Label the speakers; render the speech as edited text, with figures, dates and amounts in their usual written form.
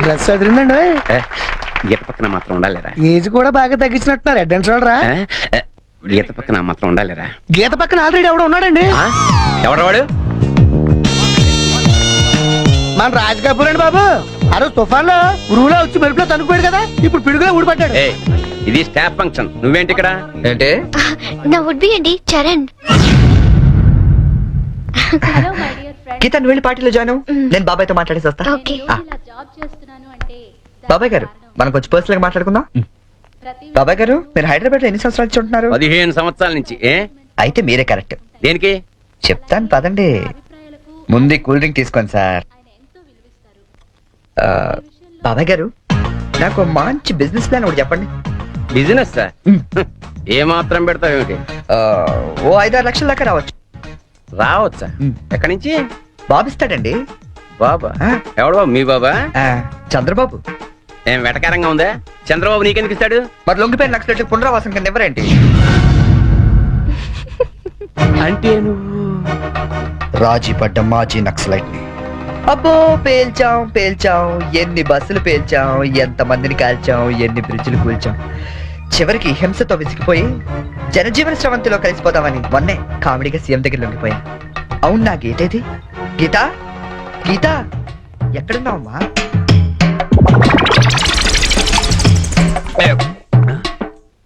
Speaker 1: Dress అదిరిందండి.
Speaker 2: గీత పక్కన మాత్రం ఉండాలిరా.
Speaker 1: ఏజ్ కూడా బాగా తగ్గించినట్టున్నారు. Head and షోల్డరా?
Speaker 2: గీత పక్కన మాత్రం ఉండాలిరా.
Speaker 1: గీత పక్కన ఆల్రెడీ ఎవడో ఉన్నాడండి.
Speaker 2: ఎవడవాడు?
Speaker 1: మన రాజ్ కపూర్ అండి బాబు. ఆ రోజు తుఫాన్ లో ఉరువులో వచ్చి మెరుపులో తనుకుపోయాడు కదా, ఇప్పుడు పిడుగులో ఊడిపడ్డాడు.
Speaker 2: ఇది స్టాఫ్ ఫంక్షన్, నువ్వేంటి ఇక్కడ?
Speaker 3: ఏంటి?
Speaker 4: నా వుడ్ బి అండి చరణ్.
Speaker 3: గీత నువ్వు వెళ్ళి పార్టీలో జాయిన్ అవ్వు. నేను బాబాయ్తో మాట్లాడేసి వస్తా.
Speaker 4: ఓకే.
Speaker 3: బాబాయ్ గారు మనం కొంచెం పర్సనల్ గా మాట్లాడుకుందాం. బాబాయ్ గారు మీరు హైదరాబాద్ లో ఎన్ని సంవత్సరాలు నుంచి ఉంటున్నారు?
Speaker 2: 15 సంవత్సరాల నుంచి.
Speaker 3: అయితే మీరే కరెక్ట్.
Speaker 2: దేనికి?
Speaker 3: చెప్తాను పదండి. ముందు కూల్ డ్రింక్ తీసుకోండి సార్. బాబాయ్ గారు నాకు మంచి బిజినెస్ ప్లాన్ ఒకటి చెప్పండి.
Speaker 2: Business sir? ఏ మాత్రం పెడతావు ఏమిటి?
Speaker 3: ఓ 5-6 లక్షల దాకా రావచ్చు.
Speaker 2: రావచ్చా? ఎక్కడి నుంచి?
Speaker 3: బాబు ఇస్తాడండి.
Speaker 2: బాబా? ఎవడు బాబు? మీ బాబా?
Speaker 3: చంద్రబాబు.
Speaker 2: ఏం వెటకారంగా ఉందా? చంద్రబాబు నీకెందుకు ఇస్తాడు?
Speaker 3: మరి లొంగిపోయిన నక్సలైట్లకు పునరావాసం కింద ఎవరేంటి?
Speaker 2: అంటే నువ్వు
Speaker 3: రాజీ పడ్డ మాజీ నక్సలైట్ ని. అబ్బో పేల్చాం ఎన్ని బస్సులు పేల్చాం, ఎంత మందిని కాల్చాం, ఎన్ని బ్రిడ్జిలు కూల్చాం. చివరికి హింసతో విసిగిపోయి జనజీవన స్రవంతిలో కలిసిపోదామని మొన్నే కామెడీగా సీఎం దగ్గర లొంగిపోయా. అవును నా గీతేది? గీత గీత ఎక్కడున్నావమ్మా?